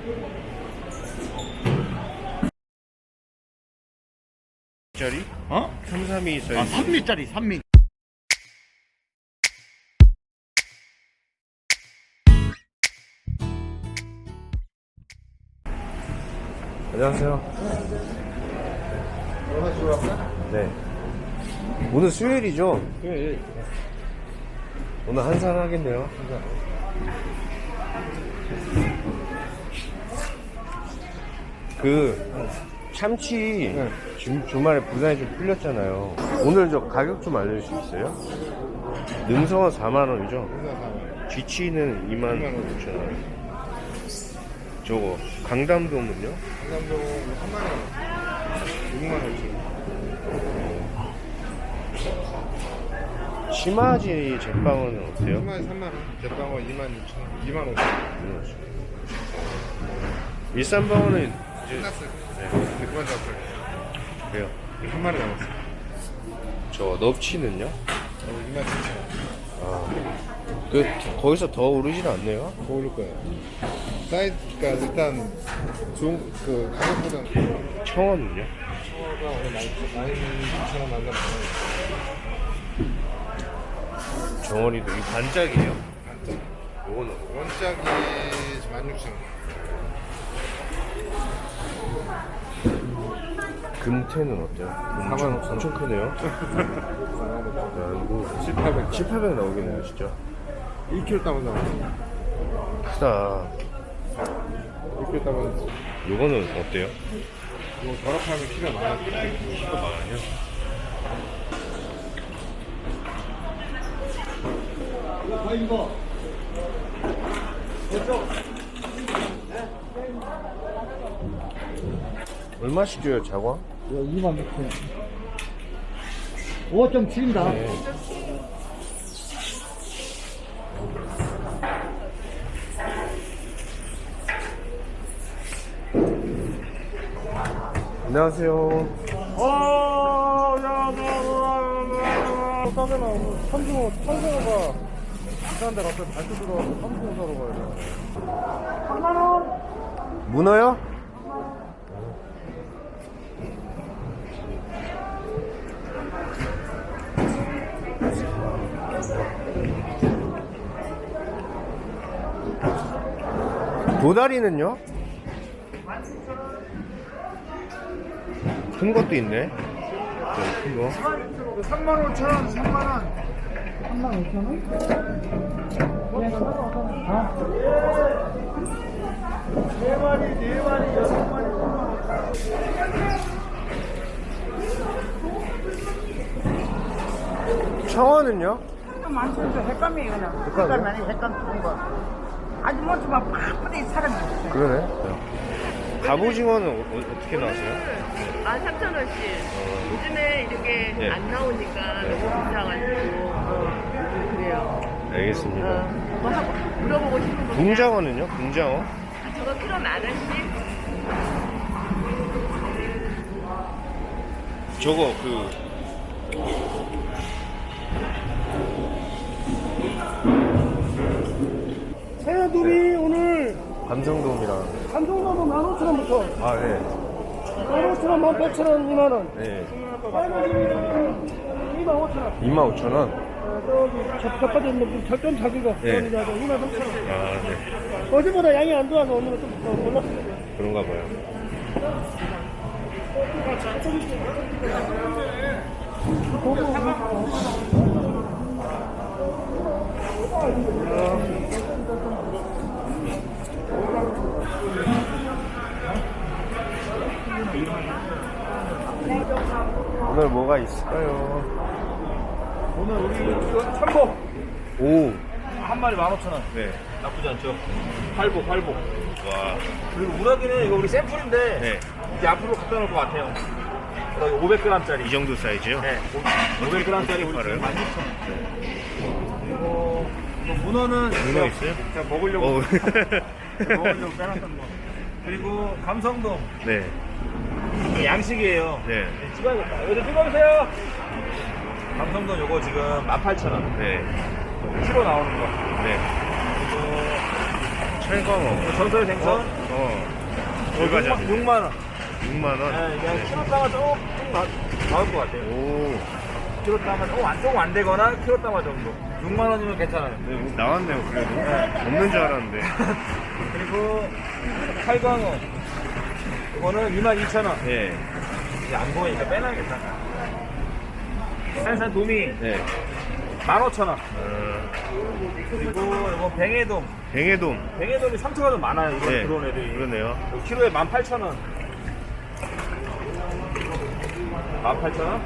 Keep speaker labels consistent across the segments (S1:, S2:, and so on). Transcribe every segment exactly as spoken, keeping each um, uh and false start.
S1: 짜리?
S2: 어?
S1: 삼삼이 사이즈.
S2: 아, 삼 미짜리 삼 미.
S1: 안녕하세요. 네. 오늘 수요일이죠?
S2: 예, 예.
S1: 오늘 한산 하겠네요. 그 참치
S2: 네.
S1: 주, 주말에 부산에 좀 풀렸잖아요. 오늘 저 가격 좀 알려줄 수 있어요? 능성은 사만 원이죠? 쥐치는 이만 오천 원. 저거 강담돔은요?
S3: 강남동 삼만 원, 육만 오천 원.
S1: 심화지 제빵은 어때요?
S3: 삼만 삼만 원, 대방어 이만 육천 원, 이만 오천 원.
S1: 일산방어는 이제
S3: 끝났어요.
S1: 네,
S3: 네, 그만 잡았어요.
S1: 그래요.
S3: 한 마리 남았어요.
S1: 저 넙치는요?
S3: 어, 이만 칠천 원.
S1: 아, 그 거기서 더 오르진 않네요.
S3: 더 오를 거예요. 사이즈가 일단 좋은 그 가격보다는
S1: 청원은요?
S3: 청어가 오늘 만 육천 원 만나 많아요.
S1: 정원이도 이 반짝이에요.
S3: 반짝.
S1: 요거는
S3: 원짝이 만 육천 원.
S1: 금태는 어때요?
S3: 사만 오천 원.
S1: 엄청 크네요. 야, 이거
S3: 칠팔백.
S1: 칠팔백 나오겠네요, 진짜.
S3: 일 킬로그램 따면 나왔어요.
S1: 크다.
S3: 일 킬로그램 따면
S1: 요거는 어때요?
S3: 이거 결합하면 키가 많아요.
S1: 키가 많아요? 얼마씩 줘요, 자광?
S2: 이만 육천 원. 오 점 칠입니다.
S1: 네. 안녕하세요.
S2: 어, 야, 야, 야, 야, 싸잖아. 오늘 삼중어, 삼중어가 비싼데 갑자기 발표 들어와서 삼중어 사러 가야 돼. 삼만 원?
S1: 문어요? 도다리는요? 큰 것도 있네. 저기 큰 거.
S3: 삼만 오천 원, 삼만 원.
S2: 삼만 오천 원?
S3: 네 마리, 네 마리, 여섯 마리.
S1: 청어는요?
S4: 만천도 횟감이에요 그냥.
S1: 횟감이요?
S4: 횟감 아니 횟감 좋은 거. 아주 뭐지 막 바쁘게 사람이 없어요.
S1: 그러네. 갑오징어는 어, 어, 어떻게 나왔어요?
S5: 만 삼천 원씩. 요즘에 이렇게
S1: 네.
S5: 안 나오니까
S1: 네.
S5: 너무 비싸가지고. 어, 그래요.
S1: 알겠습니다.
S5: 어, 뭐 하고 물어보고 싶은 거.
S1: 붕장어는요? 붕장어?
S5: 아, 저거 키로 만 원씩?
S1: 저거 그
S2: 새우들이 오늘
S1: 감성돔이랑
S2: 삼성도면 만 오천 원부터
S1: 아 네.
S2: 만 오천 원, 만 백천 원, 이만 원.
S1: 네.
S2: 이만 오천 원.
S1: 이만 오천 원.
S2: 어, 저기 첫, 첫 번째 뭐 절전 자기가
S1: 네.
S2: 이만 삼천 원.
S1: 아 네.
S2: 어제보다 양이 안 좋아서 오늘은 좀 더 몰랐어요.
S1: 그런가 봐요. 오늘 뭐가 있을까요?
S2: 오늘 우리 참복
S1: 오.
S2: 한 마리 만 오천 원.
S1: 네.
S2: 나쁘지 않죠? 팔복, 팔복.
S1: 와.
S2: 그리고 우라기는 이거 우리 샘플인데
S1: 네.
S2: 이제 앞으로 갖다 놓을 것 같아요. 우라기 오백 그램짜리.
S1: 이 정도 사이즈요?
S2: 네. 오백 그램짜리 우리
S1: 팔아요?
S2: 지금 만 육천 원. 그리고 이거 문어는
S1: 문어 있어요?
S2: 제가 먹으려고
S1: 오.
S2: 먹으려고 빼놨던 거. 그리고 감성돔
S1: 네.
S2: 이게 양식이에요.
S1: 네.
S2: 네, 찍어야겠다. 여기 좀 찍어주세요. 감성돔 요거 지금 만 팔천 원.
S1: 네.
S2: 키로 나오는 거.
S1: 네.
S2: 그리고
S1: 찰광어.
S2: 전설의 생선.
S1: 어. 어. 얼마죠?
S2: 육만 원.
S1: 육만 원.
S2: 네, 그냥 키로 따가 조금 나, 나올 것 같아요.
S1: 오.
S2: 키로 따가 조금 안, 조금 안 되거나 키로 따가 정도. 육만 원이면 괜찮아요.
S1: 네, 나왔네요, 그래도. 없는 줄 알았는데.
S2: 그리고 칼광어. 이거는 이만 이천 원.
S1: 예.
S2: 이제 안 보이니까 빼놔야겠다. 산산 도미
S1: 네.
S2: 만 오천 원.
S1: 어,
S2: 그리고 이거 뱅에돔.
S1: 뱅에돔.
S2: 뱅에돔이 상처가 좀 많아요. 이거
S1: 네.
S2: 들어온 애들이.
S1: 그러네요.
S2: 이거 키로에 만 팔천 원. 만 팔천 원?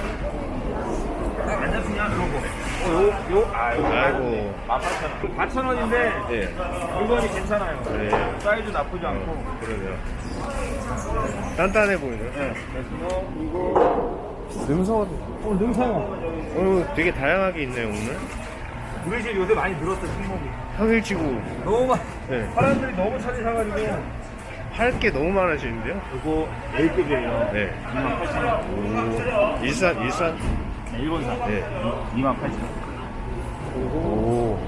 S2: 안 잡히냐? 그런 거. 어, 요, 요, 아, 요.
S1: 아이고.
S2: 만 팔천 원. 사천 원인데,
S1: 예.
S2: 물건이 괜찮아요.
S1: 네.
S2: 사이즈 나쁘지 않고.
S1: 어, 그러네요. 단단해 보이네요.
S2: 네. 그래서, 이거,
S1: 능성어도.
S2: 어, 능상어.
S1: 어, 되게 다양하게 있네요, 오늘.
S2: 우리 집 요새 많이 늘었어, 품목이.
S1: 평일치고.
S2: 너무 많,
S1: 네.
S2: 사람들이 너무 찾으셔가지고.
S1: 할 게 너무 많으시는데요?
S2: 이거 A급이에요.
S1: 네.
S2: 이만 팔천 원.
S1: 오. 일산, 일산.
S2: 일본산.
S1: 네.
S2: 이만 팔천 원.
S1: 오.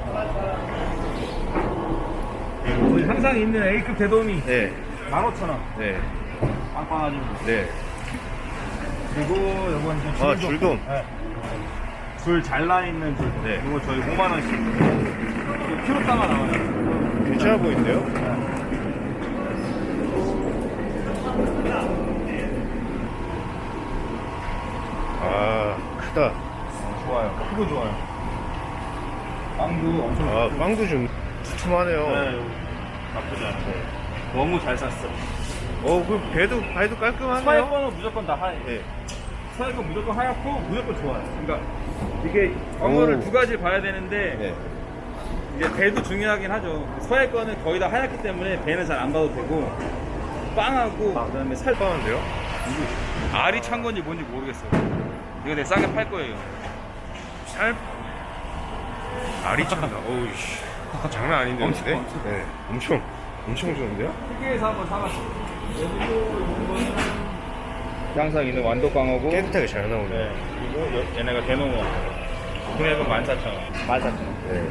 S2: 우리 항상 있는 A급 대돔이
S1: 네.
S2: 만 오천 원.
S1: 네.
S2: 빵빵하죠.
S1: 네.
S2: 그리고 이건 이제 줄돔.
S1: 아, 줄돔.
S2: 네. 줄 잘라 있는 줄.
S1: 네.
S2: 이거 저희 오만 원씩. 이거 키로 따가 나와요.
S1: 괜찮아 보이는데요? 아, 크다.
S2: 어, 좋아요. 크고 좋아요. 빵도 엄청
S1: 아,
S2: 좋고.
S1: 빵도 좀 두툼하네요.
S2: 네, 나쁘지 않고. 너무 잘 샀어.
S1: 어, 그 배도, 발도 깔끔하네요.
S2: 서해 거는 무조건 다 하얘.
S1: 네.
S2: 서해 거 무조건 하얗고 무조건 좋아요. 그러니까 이게 언어를
S1: 오.
S2: 두 가지를 봐야 되는데
S1: 네.
S2: 이제 배도 중요하긴 하죠. 서해 거는 거의 다 하얗기 때문에 배는 잘 안 봐도 되고 빵하고 그다음에 살
S1: 빵인데요?
S2: 알이 찬 건지 뭔지 모르겠어요. 이거 되게 싸게 팔 거예요.
S1: 살, 알이 찬다. 어우, 씨. 장난 아닌데,
S2: 엄청,
S1: 근데?
S2: 엄청.
S1: 네. 엄청, 엄청 좋은데요?
S2: 크게에서 한번 사봤어요. 항상 있는 완도광어고
S1: 깨끗하게 잘 나오네요.
S2: 네. 그리고 여- 얘네가 대농어. 금액은 만 사천 원. 만 사천 원.
S1: 네.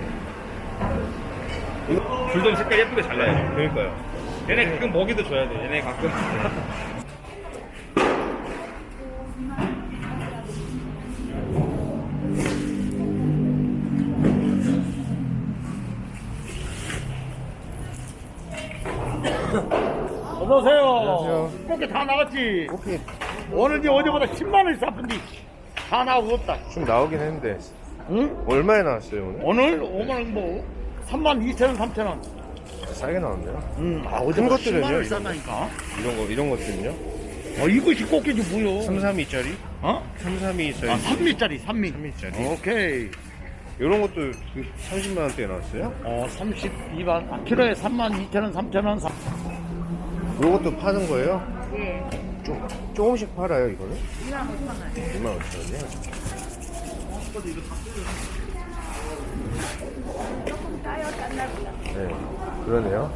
S2: 줄돔 색깔 예쁘게 잘 나요.
S1: 네. 그러니까요.
S2: 얘네 가끔 먹이도 줘야 돼. 얘네 가끔.
S3: 어서오세요.
S1: 안녕하세요.
S3: 꽃게 다 나갔지?
S1: 오케이.
S3: 오늘 이제 어제보다 십만 원이 싸픈데 다 나오고 없다.
S1: 좀 나오긴 했는데.
S3: 응?
S1: 얼마에 나왔어요, 오늘?
S3: 오늘 오만 원 뭐 삼만 이천 원, 삼천 원.
S1: 싸게 나왔네요.
S3: 응. 아,
S1: 큰
S3: 어제보다
S1: 것들은요,
S3: 십만 원
S1: 이거?
S3: 쌌다니까.
S1: 이런 거, 이런 것들은요?
S3: 어, 이것이 꽃게지 뭐요?
S1: 삼삼이짜리?
S3: 어?
S1: 삼삼이짜리.
S3: 아, 삼미짜리, 삼미.
S1: 삼미짜리.
S3: 오케이.
S1: 이런 것도 그 삼십만 원대에 나왔어요?
S3: 어, 삼십이만. 아, 키로에 삼만 이천 원, 삼천 원. 삼-
S1: 이런 것도 파는 거예요?
S5: 예.
S1: 좀, 조금씩 팔아요, 이거는?
S5: 이만 오천 원.
S1: 이만 오천 원이요?
S5: 조금 짜요, 짠나 보다.
S1: 네. 그러네요.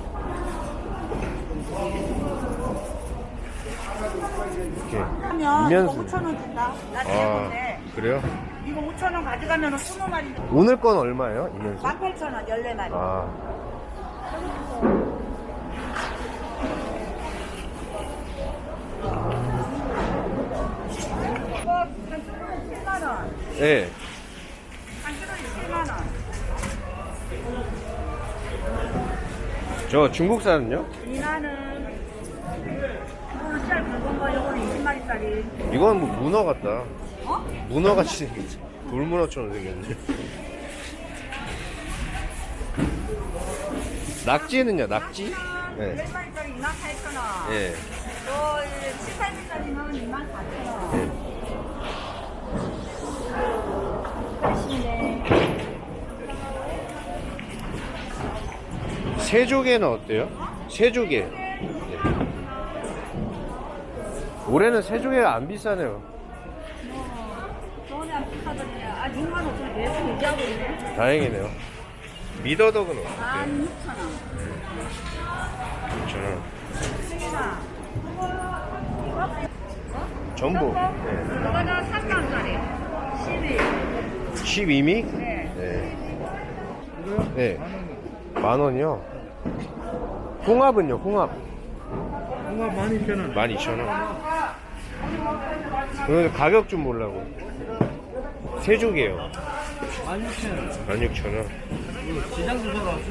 S1: 이렇게.
S4: 하면 이거
S1: 이면수.
S4: 오천 원 준다. 나
S1: 아,
S4: 때문에
S1: 그래요?
S4: 이거 오천 원 가져가면 스무 마리
S1: 오늘 건 얼마예요, 이면수?
S4: 만 팔천 원 열네 마리.
S1: 아,
S4: 이거 한 킬로에 칠만 원.
S1: 네.
S4: 한 킬로에 칠만 원.
S1: 저 중국산은요?
S4: 이나는 이거는 살 굵은 거, 이거는 이십 마리짜리.
S1: 이건 뭐 문어 같다.
S4: 어?
S1: 문어 같이 생겼지. 돌문어처럼 생겼네. 낙지는요, 낙지? 네.
S4: 열 마리짜리 이만 팔천 원.
S1: 예.
S4: 또 칠, 팔 미짜리는 이만 사천 원.
S1: 예.
S4: 맛있네.
S1: 새조개는 어때요? 새조개. 네. 올해는 새조개가 안 비싸네요.
S4: 돈이 안 비싸더니 아 육만 오천 원 계속 유지하고 있네.
S1: 다행이네요. 미더덕은 어때요?
S4: 만 육천 원.
S1: 저는
S4: 승인아.
S1: 전복.
S5: 이거는 삼만 원짜리. 십이.
S1: 십이 미?
S5: 네.
S1: 네. 네. 만 원이요? 홍합은요, 홍합.
S2: 홍합 만 이천 원.
S1: 만 이천 원. 오늘 가격 좀 보려고. 세조개요.
S2: 만 육천 원.
S1: 만 육천 원.
S2: 시장 주소로 왔어?